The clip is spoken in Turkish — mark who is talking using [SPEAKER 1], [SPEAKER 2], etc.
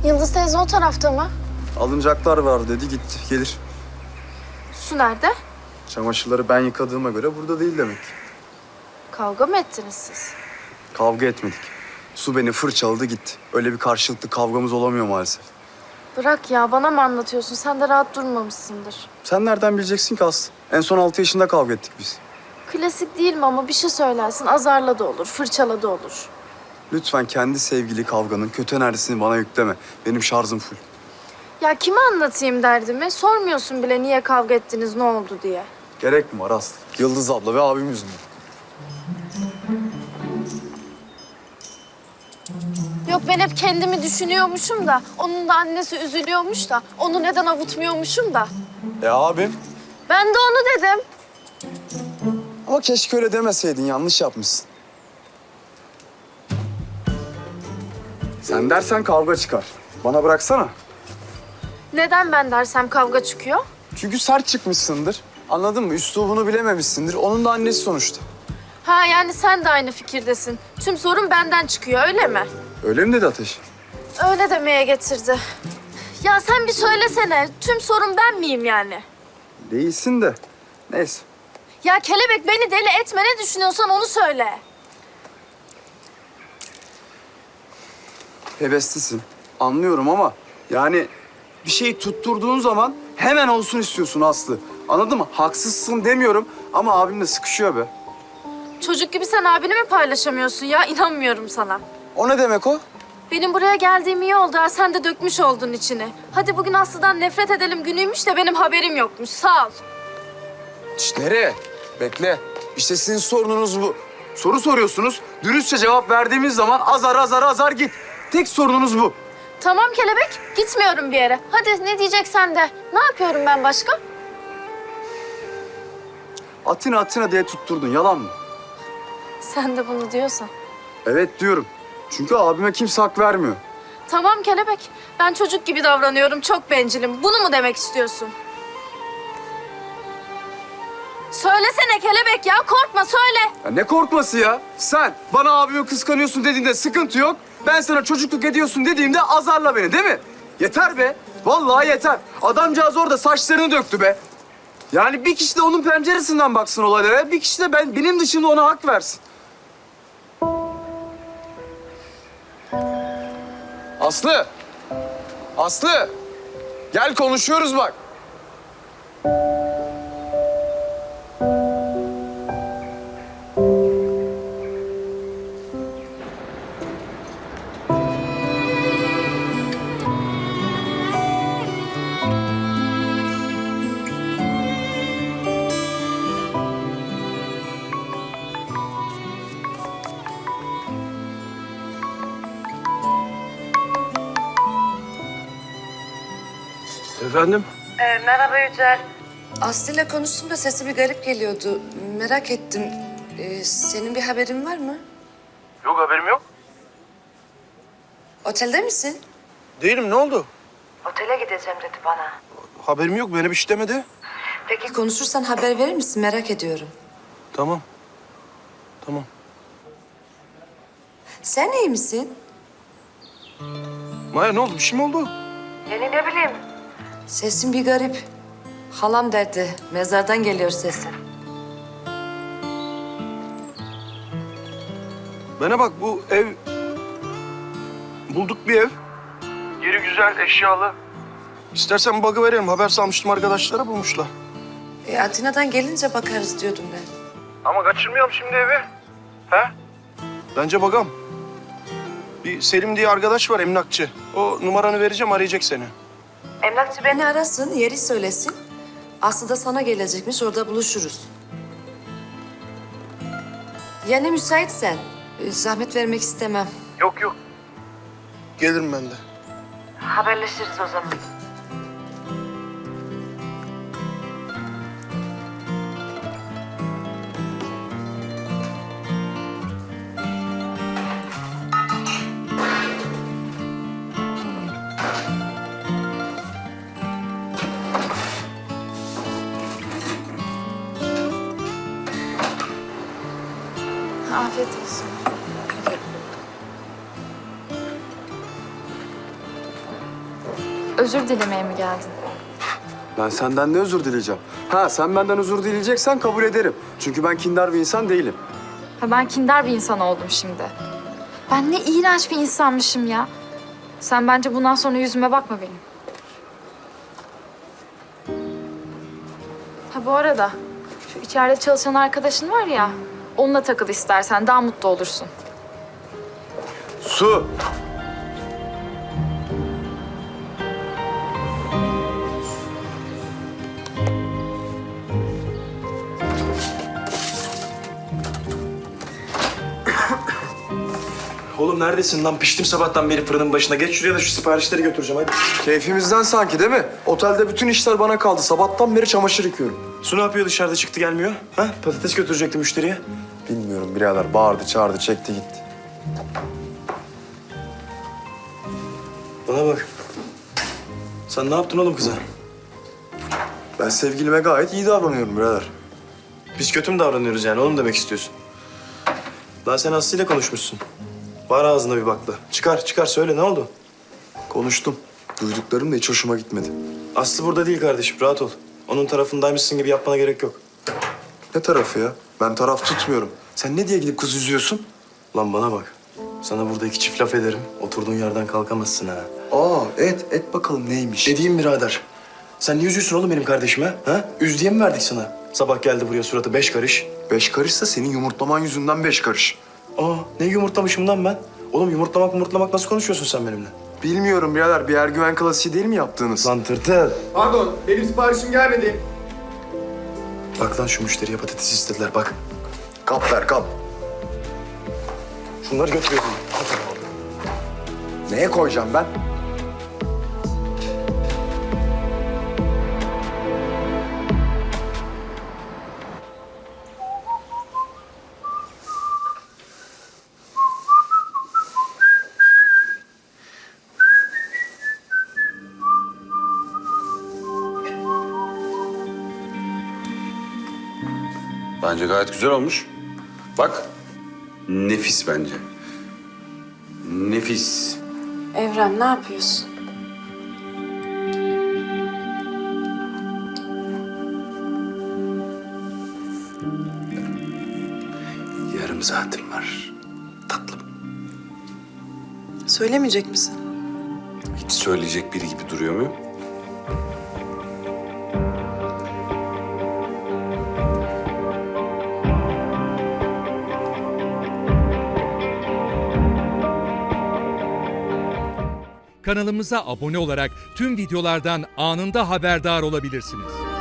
[SPEAKER 1] Yıldız teyze o tarafta mı?
[SPEAKER 2] Alınacaklar var dedi gitti. Gelir.
[SPEAKER 1] Su nerede?
[SPEAKER 2] Çamaşırları ben yıkadığıma göre burada değil demek.
[SPEAKER 1] Kavga mı ettiniz siz?
[SPEAKER 2] Kavga etmedik. Su beni fırçaladı gitti. Öyle bir karşılıklı kavgamız olamıyor maalesef.
[SPEAKER 1] Bırak ya, bana mı anlatıyorsun? Sen de rahat durmamışsındır.
[SPEAKER 2] Sen nereden bileceksin ki Aslı? En son 6 yaşında kavga ettik biz.
[SPEAKER 1] Klasik değil mi ama bir şey söylersin, azarla da olur, fırçala da olur.
[SPEAKER 2] Lütfen kendi sevgili kavganın kötü enerjisini bana yükleme. Benim şarjım full.
[SPEAKER 1] Ya kime anlatayım derdimi? Sormuyorsun bile niye kavga ettiniz, ne oldu diye.
[SPEAKER 2] Gerek mi var Aslı? Yıldız abla ve abim yüzünden.
[SPEAKER 1] Yok, ben hep kendimi düşünüyormuşum da, onun da annesi üzülüyormuş da, onu neden avutmuyormuşum da.
[SPEAKER 2] Abim?
[SPEAKER 1] Ben de onu dedim.
[SPEAKER 2] Ama keşke öyle demeseydin. Yanlış yapmışsın. Sen dersen kavga çıkar. Bana bıraksana.
[SPEAKER 1] Neden ben dersem kavga çıkıyor?
[SPEAKER 2] Çünkü sert çıkmışsındır. Anladın mı? Üslubunu bilememişsindir. Onun da annesi sonuçta.
[SPEAKER 1] Ha, yani sen de aynı fikirdesin. Tüm sorun benden çıkıyor, öyle mi?
[SPEAKER 2] Öyle mi dedi Ateş?
[SPEAKER 1] Öyle demeye getirdi. Ya sen bir söylesene, tüm sorun ben miyim yani?
[SPEAKER 2] Değilsin de. Neyse.
[SPEAKER 1] Ya kelebek, beni deli etme, ne düşünüyorsan onu söyle.
[SPEAKER 2] Heveslisin. Anlıyorum ama yani bir şeyi tutturduğun zaman hemen olsun istiyorsun Aslı. Anladın mı? Haksızsın demiyorum ama abimle sıkışıyor be.
[SPEAKER 1] Çocuk gibi sen abini mi paylaşamıyorsun ya? İnanmıyorum sana.
[SPEAKER 2] O ne demek o?
[SPEAKER 1] Benim buraya geldiğim iyi oldu ha, sen de dökmüş oldun içini. Hadi bugün Aslı'dan nefret edelim günüymüş de benim haberim yokmuş, sağ ol.
[SPEAKER 2] Şişt, nereye? Bekle. İşte sizin sorununuz bu. Soru soruyorsunuz. Dürüstçe cevap verdiğimiz zaman azar git. Tek sorununuz bu.
[SPEAKER 1] Tamam kelebek, gitmiyorum bir yere. Hadi ne diyeceksen de. Ne yapıyorum ben başka?
[SPEAKER 2] Atina diye tutturdun. Yalan mı?
[SPEAKER 1] Sen de bunu diyorsan.
[SPEAKER 2] Evet diyorum. Çünkü abime kimse hak vermiyor.
[SPEAKER 1] Tamam kelebek, ben çocuk gibi davranıyorum, çok bencilim. Bunu mu demek istiyorsun? Söylesene kelebek ya, korkma söyle.
[SPEAKER 2] Ya ne korkması ya? Sen bana abimi kıskanıyorsun dediğinde sıkıntı yok. Ben sana çocukluk ediyorsun dediğimde azarla beni değil mi? Yeter be. Vallahi yeter. Adamcağız orada saçlarını döktü be. Yani bir kişi de onun penceresinden baksın olaylara. Bir kişi de benim dışında ona hak versin. Aslı. Aslı. Gel konuşuyoruz bak.
[SPEAKER 3] Efendim?
[SPEAKER 4] Merhaba Yücel. Aslı'yla konuştum da sesi bir garip geliyordu. Merak ettim. Senin bir haberin var mı?
[SPEAKER 3] Yok, haberim yok.
[SPEAKER 4] Otelde misin?
[SPEAKER 3] Değilim, ne oldu?
[SPEAKER 4] Otele gideceğim dedi bana.
[SPEAKER 3] Haberim yok, beni bir şey demedi.
[SPEAKER 4] Peki konuşursan haber verir misin? Merak ediyorum.
[SPEAKER 3] Tamam. Tamam.
[SPEAKER 4] Sen iyi misin?
[SPEAKER 3] Maya ne oldu, bir şey mi oldu?
[SPEAKER 4] Yani ne bileyim. Sesin bir garip. Halam derdi. Mezardan geliyor sesin.
[SPEAKER 3] Bana bak, bu ev... Bulduk bir ev. Yeri güzel, eşyalı. İstersen bug'ı verelim. Haber salmıştım, arkadaşlara bulmuşlar.
[SPEAKER 4] Atina'dan gelince bakarız diyordum ben.
[SPEAKER 3] Ama kaçırmayalım şimdi evi. He? Bence bagam. Bir Selim diye arkadaş var, emlakçı. O numaranı vereceğim, arayacak seni.
[SPEAKER 4] Emlakçı beni arasın, yeri söylesin. Aslı da sana gelecekmiş, orada buluşuruz. Yani müsaitsen. Zahmet vermek istemem.
[SPEAKER 3] Yok. Gelirim ben de.
[SPEAKER 4] Haberleşiriz o zaman.
[SPEAKER 1] Afiyet olsun. Özür dilemeye mi geldin?
[SPEAKER 2] Ben senden ne özür dileyeceğim? Ha, sen benden özür dileyeceksen kabul ederim. Çünkü ben kindar bir insan değilim.
[SPEAKER 1] Ha, ben kindar bir insan oldum şimdi. Ben ne iğrenç bir insanmışım ya. Sen bence bundan sonra yüzüme bakma benim. Ha, bu arada şu içeride çalışan arkadaşın var ya, onunla takıl istersen, daha mutlu olursun.
[SPEAKER 2] Su!
[SPEAKER 3] Oğlum neredesin lan? Piştim sabahtan beri fırının başına. Geç şuraya da şu siparişleri götüreceğim hadi.
[SPEAKER 2] Keyfimizden sanki değil mi? Otelde bütün işler bana kaldı. Sabahtan beri çamaşır yıkıyorum.
[SPEAKER 3] Su ne yapıyor dışarıda çıktı gelmiyor? Ha? Patates götürecekti müşteriye.
[SPEAKER 2] Bilmiyorum birader. Bağırdı, çağırdı, çekti gitti.
[SPEAKER 3] Bana bak. Sen ne yaptın oğlum kıza?
[SPEAKER 2] Ben sevgilime gayet iyi davranıyorum birader.
[SPEAKER 3] Biz kötü mü davranıyoruz yani? Onu mu demek istiyorsun? Daha sen Aslı ile konuşmuşsun. Var ağzına bir bakla. Çıkar söyle ne oldu?
[SPEAKER 2] Konuştum. Duyduklarım da hiç hoşuma gitmedi.
[SPEAKER 3] Aslı burada değil kardeşim, rahat ol. Onun tarafındaymışsın gibi yapmana gerek yok.
[SPEAKER 2] Ne tarafı ya? Ben taraf tutmuyorum. Sen ne diye gidip kız üzüyorsun?
[SPEAKER 3] Lan bana bak. Sana burada iki çift laf ederim. Oturduğun yerden kalkamazsın ha.
[SPEAKER 2] Aa, et bakalım neymiş?
[SPEAKER 3] Edeyim birader. Sen niye üzüyorsun oğlum benim kardeşime? Ha? Üz diye mi verdik sana? Sabah geldi buraya suratı 5 karış.
[SPEAKER 2] 5 karışsa senin yumurtlaman yüzünden 5 karış.
[SPEAKER 3] Aa, ne yumurtlamışım lan ben? Oğlum yumurtlamak nasıl konuşuyorsun sen benimle?
[SPEAKER 2] Bilmiyorum birader. Bir ergüven klasiği değil mi yaptığınız?
[SPEAKER 3] Lan tırtıl.
[SPEAKER 5] Pardon, benim siparişim gelmedi.
[SPEAKER 3] Bak lan şu müşteriye patates istediler bak.
[SPEAKER 2] Kap ver kap.
[SPEAKER 3] Şunları götürüyorum.
[SPEAKER 2] Neye koyacağım ben?
[SPEAKER 6] Bence gayet güzel olmuş. Bak. Nefis bence. Nefis.
[SPEAKER 4] Evren ne yapıyorsun?
[SPEAKER 6] Yarım saatim var. Tatlım.
[SPEAKER 7] Söylemeyecek misin?
[SPEAKER 6] Hiç söyleyecek biri gibi duruyor muyum?
[SPEAKER 8] Kanalımıza abone olarak tüm videolardan anında haberdar olabilirsiniz.